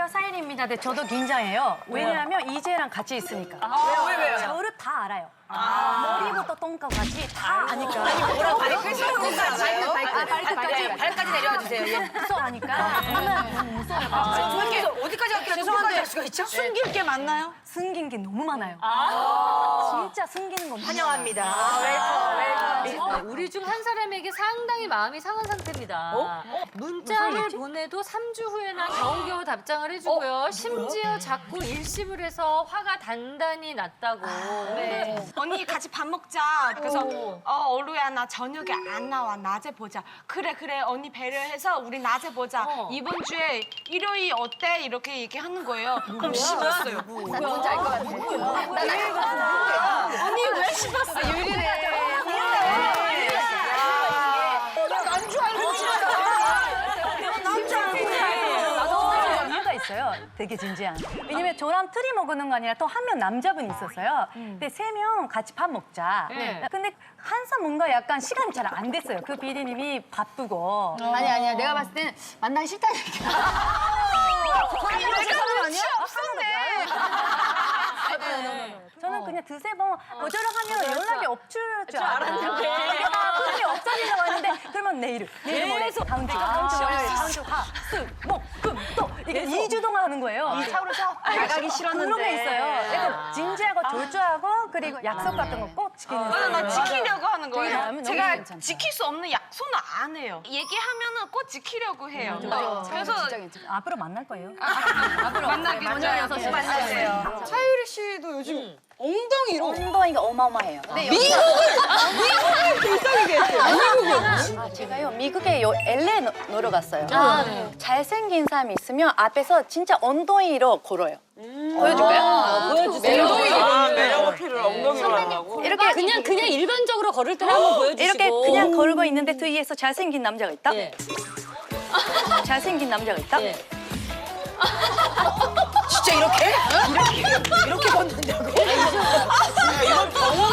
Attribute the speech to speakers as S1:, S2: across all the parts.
S1: 안녕하세요, 사일입니다. 네, 저도 긴장해요. 왜냐하면 이재랑 같이 있으니까.
S2: 왜요?
S1: 저를 다 알아요. 머리부터 똥까지 다 아니까.
S2: 뭐라고 발까지 내려와 주세요. 예.
S1: 무서워하니까. 하면 무서워요.
S2: 이렇게 어디까지 갈게요? 죄송한데 할 수가 있죠?
S3: 숨길 게 많나요?
S1: 숨긴 게 너무 많아요. 진짜 숨기는 거
S2: 환영합니다.
S4: 우리 중 한 사람에게 상당히 마음이 상한 상태입니다. 문자를 보내도 3주 후에나 겨우겨우 답장을 해주고요. 심지어 자꾸 일십을 해서 화가 단단히 났다고.
S3: 언니 같이 밥 먹자. 그래서 어루야 나 저녁에 안 나와. 낮에 보자. 그래 언니 배려해서 우리 낮에 보자. 이번 주에 일요일 어때? 이렇게 얘기하는 거예요. 그럼 씹었어요.
S2: 나 뭔지 알 것 같아.
S3: 언니 왜 씹었어?
S1: 이유가 있어요. 되게 진지한. 왜냐면 저랑 트리 먹는 거 아니라 또 한 명 남자분이 있었어요. 근데 3명 같이 밥 먹자.
S4: 네.
S1: 근데 항상 뭔가 약간 시간이 잘 안 됐어요. 그 비디님이 바쁘고.
S2: 아니야. 내가 봤을 땐 만나기 싫다는 얘기야.
S1: 저는 그냥 두세 번 거절을 하면 연락이 없을 줄 알았는데 그게 없어지려고 하는데 그러면 내일 모레 다음 주 다음 주 월요일 다음 주 화, 수, 목, 금, 또 이게 2주 동안 하는 거예요.
S2: 차오르서 나가기 싫었는데.
S1: 그런 게 있어요. 약간 진지하고 졸조하고 그리고 약속 같은 거 꼭 지키는
S3: 나 지키려고 하는 거예요.
S1: 너무
S3: 제가
S1: 괜찮다.
S3: 지킬 수 없는 약속은 안 해요. 얘기하면은 꼭 지키려고 해요. 그래서
S1: 앞으로 만날 거예요.
S3: 만나기 전에
S2: 만나세요.
S5: 차유리 씨도 요즘 엉덩이로
S2: 엉덩이가 어마어마해요.
S6: 제가요 미국에 LA 놀러 갔어요. 잘생긴 사람이 있으면 앞에서 진짜 엉덩이로 걸어요. 보여줄까요?
S4: 보여주세요.
S5: 매력 어필을 엉덩이로 하라고.
S6: 이렇게
S4: 그냥 일반적으로 걸을 때 한번 보여주시고.
S6: 이렇게 그냥 걸고 있는데 뒤에서 잘생긴 남자가 있다.
S4: 예.
S6: 잘생긴 남자가 있다.
S4: 예.
S2: 진짜 이렇게? 이렇게 걷는다고?
S5: 이건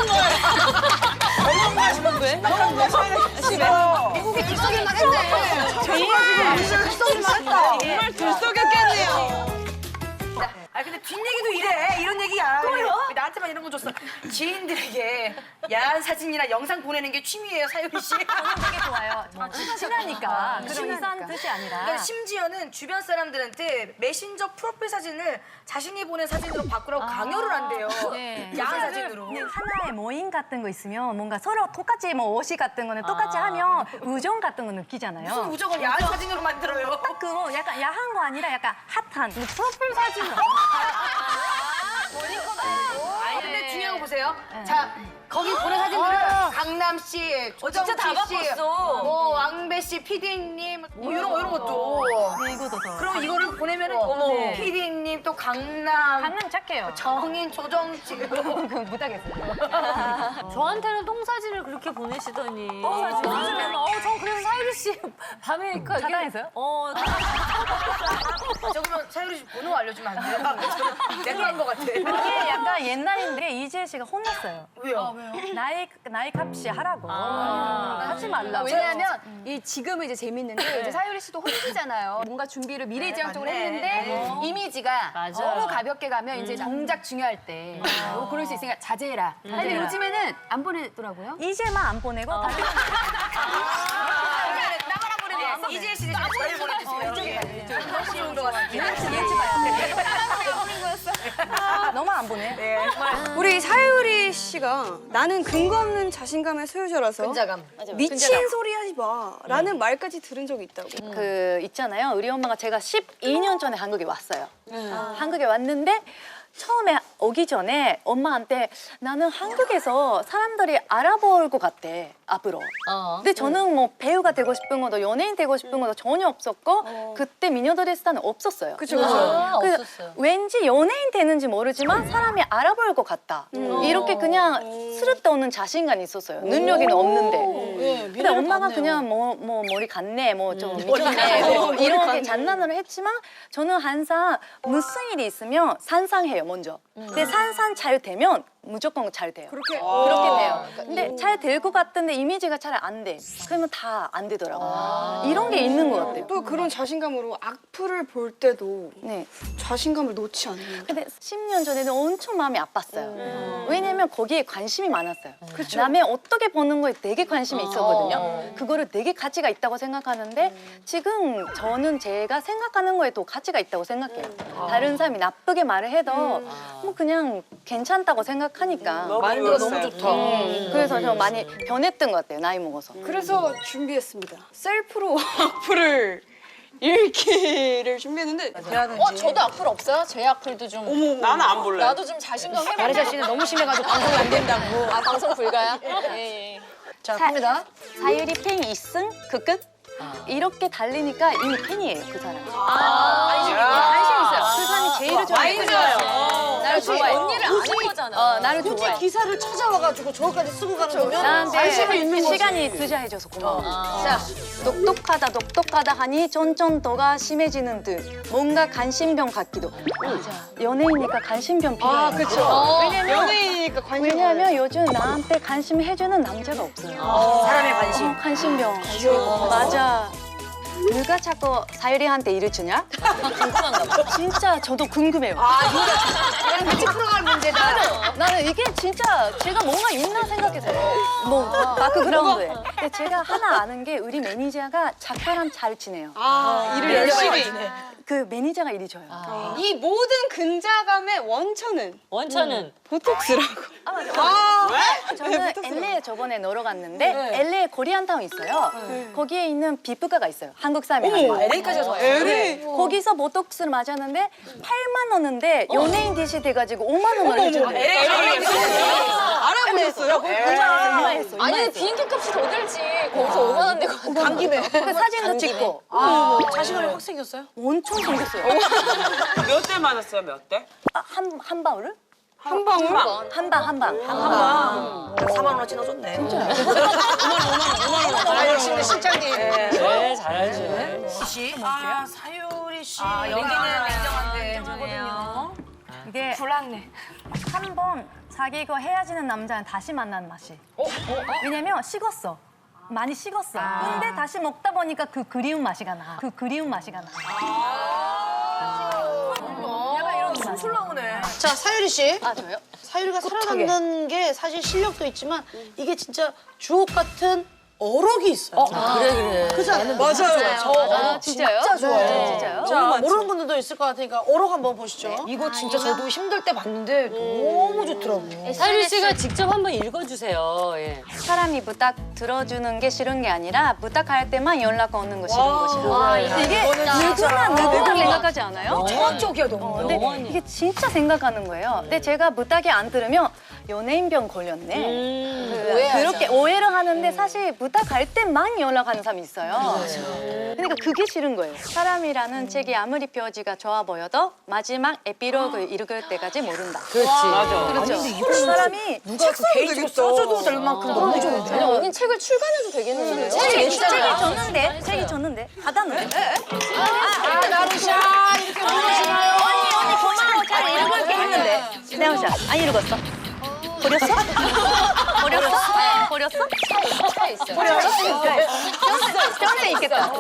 S5: 병원 가시면 돼.
S2: 미국에 들썩일만 했네. 들썩일만 했다.
S3: 정말 들썩였겠네요.
S2: 아 근데 뒷얘기도 이래. 이런 얘기야. 왜 나한테만 이런 거 줬어. 지인들에게 야한 사진이나 영상 보내는 게 취미예요, 사유리 씨.
S1: 저는 되게 좋아요. 친하니까. 그런 이상한 뜻이 아니라.
S2: 그러니까 심지어는 주변 사람들한테 메신저 프로필 사진을 자신이 보낸 사진으로 바꾸라고 강요를 한대요. 야한 사진으로.
S1: 근데 하나의 모임 같은 거 있으면 뭔가 서로 똑같이 뭐 옷이 같은 거는 똑같이 하면 우정 같은 거 느끼잖아요.
S2: 무슨 우정을 야한 사진으로 만들어요.
S1: 딱 그거 약간 야한 거 아니라 약간 핫한 뭐 프로필 사진.
S2: 아니 근데 중요한 거 보세요. 자 거기 보낸 사진들은 강남 씨, 조정치 씨, 뭐 왕배 씨, PD님 뭐 이런 것도.
S1: 이거도 더.
S2: 그럼 이거를 보내면은 PD님 또 강남,
S1: 받는 착해요.
S2: 정인, 조정치.
S1: 못하겠어요.
S4: 저한테는 똥 사진을 그렇게 보내시더니. 전 그래서 사유리 씨 밤에 이렇게
S1: 차단했어요?
S2: 저 그러면 사유리 씨 번호 알려주면 안 돼요? 내가 한 거 같아.
S1: 이게 약간 옛날인데 이재 씨가 혼났어요.
S2: 왜요?
S1: 나이 값이 하라고. 하지 말라고.
S7: 왜냐하면 이 지금은 이제 재밌는데 이제 사유리 씨도 혼자잖아요. 뭔가 준비를 미래지향적으로 했는데 이미지가
S4: 맞아.
S7: 너무 가볍게 가면 이제 정작 중요할 때 그럴 수 있으니까 자제해라. 근데 요즘에는 안 보내더라고요.
S1: 이재만 안 보내고 다른
S2: 나만 안 보내네. 이지혜 씨 대신 저를 보내주세요. 쉬운 거 같아.
S1: 너무 안 보내.
S5: 우리 사유리 씨가 나는 근거 없는 자신감의 소유자라서
S2: 근자감.
S5: 미친 소리 하지 마라는 말까지 들은 적이 있다고.
S6: 그 있잖아요. 우리 엄마가 제가 12년 전에 한국에 왔어요. 한국에 왔는데 처음에 오기 전에 엄마한테 나는 한국에서 사람들이 알아볼 것 같대, 앞으로. 근데 저는 뭐 배우가 되고 싶은 것도 연예인 되고 싶은 것도 전혀 없었고 그때 미녀드레스단은 없었어요.
S5: 그쵸.
S6: 그래서
S4: 없었어요.
S6: 왠지 연예인 되는지 모르지만 사람이 알아볼 것 같다. 이렇게 그냥 쓸데없는 자신감이 있었어요. 능력이 없는데. 근데 엄마가 그냥 뭐 머리 갔네, 뭐 좀 미쳤네, 뭐 이렇게 장난으로 했지만 저는 항상 무슨 일이 있으면 상상해요, 먼저. 근데 상상 잘 되면 무조건 잘 돼요. 그렇게 돼요. 근데 잘 될 것 같은데 이미지가 잘 안 돼. 그러면 다 안 되더라고요. 이런 게 있는 것 같아요.
S5: 또 그런 자신감으로 악플을 볼 때도
S6: 네.
S5: 자신감을 놓지 않는.
S6: 근데 10년 전에는 엄청 마음이 아팠어요. 왜냐면 거기에 관심이 많았어요. 남의 어떻게 보는 거에 되게 관심이 있었거든요. 그거를 되게 가치가 있다고 생각하는데 지금 저는 제가 생각하는 거에 더 가치가 있다고 생각해요. 다른 사람이 나쁘게 말을 해도 뭐 그냥 괜찮다고 생각하니까.
S2: 마인드가 너무 좋다.
S6: 그래서 저 많이 변했던 것 같아요. 나이 먹어서.
S5: 그래서 준비했습니다. 셀프로 악플을 읽기를 준비했는데
S7: 저도 악플 없어요? 제 악플도 좀.
S8: 나는 안 볼래.
S7: 나도 좀 자신감 해봐.
S2: 나르샤 씨는 너무 심해가지고 방송이 안 된다고.
S7: 아, 방송 불가야? 예.
S2: 자, 갑니다.
S6: 사유리 팬 2승 그 끝? 이렇게 달리니까 이미 팬이에요, 그 사람이.
S8: 관심
S6: 있어요. 그 사람이 제일 좋아해요. 나를 좋아해.
S7: 언니를 아는 거잖아.
S6: 나를 좋아해.
S2: 기사를 찾아와가지고 저거까지 쓰고 가는 거면
S6: 나한테 시간이 투자해줘서 고마워. 자, 똑똑하다 하니 쫀쫀도가 심해지는 듯 뭔가 관심병 같기도. 맞아. 연예인이니까 관심병 필요해요.
S5: 그렇죠.
S6: 왜냐면
S5: 연예인이니까 관심.
S6: 왜냐면 요즘 나한테 관심 해주는 남자가 없어요.
S2: 사람의 관심.
S6: 관심병. 맞아. 누가 자꾸 사유리한테 일을 주냐? 궁금한가 봐. 진짜 저도 궁금해요.
S2: 그냥 같이 풀어가는 문제다.
S6: 나는 이게 진짜 제가 뭔가 있나 생각해서요. 뭐 바크그라운드에. 근데 제가 하나 아는 게 우리 매니저가 작가랑 잘 지내요.
S5: 일을 열심히.
S6: 그 매니저가 일이 줘요.
S5: 이 모든 근자감의 원천은 보톡스라고.
S6: 저는 LA에 저번에 놀러 갔는데 LA에 코리안타운 있어요. 거기에 있는 비프가가 있어요. 한국 사람이 하는 거.
S2: LA까지 와서
S6: 거기서 보톡스를 맞았는데 8만 원인데 연예인 DC 돼가지고 5만 원을 해주는데.
S5: 알아보셨어요?
S6: 이마했어.
S7: 아니, 비행기 값이 더 들지. 거기서 5만 원 내고.
S2: 간 김에.
S6: 그 사진도 찍고.
S2: 자신감이 확 생겼어요?
S6: 엄청 생겼어요.
S8: 몇 대 맞았어요, 몇 대?
S6: 한 방울을?
S5: 한 방울?
S6: 한 방.
S2: 4만 원어치 넣어줬네. 진짜. 5만 원. 역시 실장님.
S4: 네, 잘 알지.
S2: 씨. 사유리 씨.
S1: 여기는
S2: 냉정한데.
S1: 이게
S3: 불안해.
S1: 한 번 사귀고 헤어지는 남자는 다시 만나는 맛이. 왜냐면 식었어. 많이 식었어. 근데 다시 먹다 보니까 그 그리운 맛이 가 나. 약간 이런 술술 나오네.
S2: 자, 사유리 씨.
S6: 저요?
S2: 사유리가 살아남는 게 사실 실력도 있지만 이게 진짜 주옥 같은 어록이 있어요.
S4: 그래.
S2: 그잖아요.
S5: 맞아요.
S6: 진짜요?
S2: 진짜 좋아요.
S6: 네, 진짜요?
S2: 자, 모르는 분들도 있을 것 같으니까 어록 한번 보시죠. 이거 진짜 저도 힘들 때 봤는데 너무 좋더라고요.
S4: 사유리 씨가 직접 한번 읽어주세요. 예.
S6: 사람이 부탁 들어주는 게 싫은 게 아니라 부탁할 때만 연락 오는 거 싫은 것이다. 이게 누구나 생각하지 않아요?
S2: 정확적이야, 너무.
S6: 근데 이게 진짜 생각하는 거예요. 근데 제가 부탁이 안 들으면 연예인병 걸렸네. 그렇게 오해를 하는데 사실 부탁할 때만 연락하는 사람이 있어요. 그러니까 그게 싫은 거예요. 사람이라는 책이 아무리 표지가 좋아 보여도 마지막 에피로그 읽을 때까지 모른다.
S4: 그렇지. 맞아.
S6: 그렇죠. 그 사람이
S2: 누가 그 페이지로 써줘도 될 만큼 너무 좋은데.
S7: 아니, 언니 책을 출간해도 되겠는데요?
S6: 책이 줬는데 받았는데.
S2: 나르샤 이렇게 물으시나요?
S6: 언니 고마워 잘 읽을게 했는데. 내가 안 읽었어? 버렸어? 버렸어?
S7: 차 있어요.
S6: 평생 있겠다.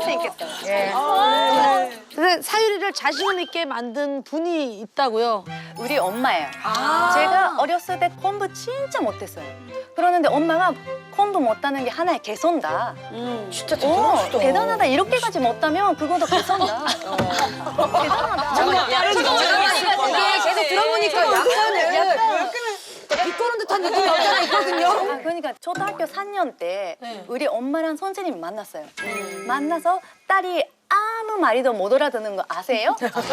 S2: 근데 사유리를 자신감 있게 만든 분이 있다고요?
S6: 우리 엄마예요. 제가 어렸을 때 공부 진짜 못했어요. 그러는데 엄마가 공부 못하는 게 하나의 개선다.
S2: 진짜
S6: 대단하다. 이렇게까지 못하면 그거도 개선다. 대단하다.
S2: 이게 계속 들어보니까 약간은 비꼬는 듯한 느낌이 없잖아 있거든요.
S6: 그러니까 초등학교 4년 때 우리 엄마랑 선생님이 만났어요. 만나서 딸이 아무 말이도 못 알아듣는 거 아세요?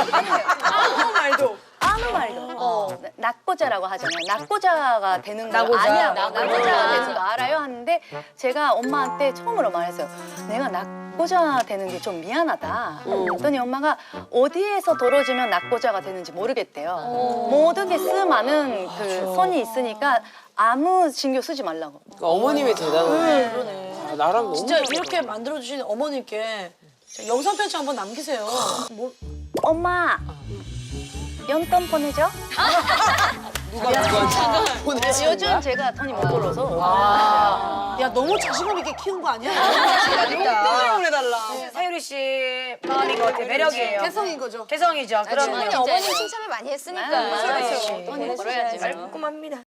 S6: 아무 말도. 낙고자라고 하잖아요. 낙고자가 되는 거 아냐고. 낙고자가 되는 거 알아요? 하는데 제가 엄마한테 처음으로 말했어요. 내가 낙고자 되는 게 좀 미안하다. 그랬더니 엄마가 어디에서 떨어지면 낙고자가 되는지 모르겠대요. 모든 게 수많은 그 선이 있으니까 아무 신경 쓰지 말라고.
S8: 어머님이 대단하네. 그러네. 나랑 너무
S2: 진짜 이렇게 만들어주신 어머님께 영상 편지 한번 남기세요.
S6: 엄마, 용돈 보내줘.
S8: 누가 보내지?
S6: 요즘 제가 돈이 못 벌어서.
S9: 야 너무 자신감 있게 키운 거 아니야?
S2: 용돈을 보내달라. 사유리 씨 마음인 것 같아요. 매력이에요.
S9: 개성인 거죠.
S2: 개성이죠. 그럼
S7: 어머님 칭찬을 많이 했으니까.
S6: 돈이 벌어야지.
S2: 깔끔합니다.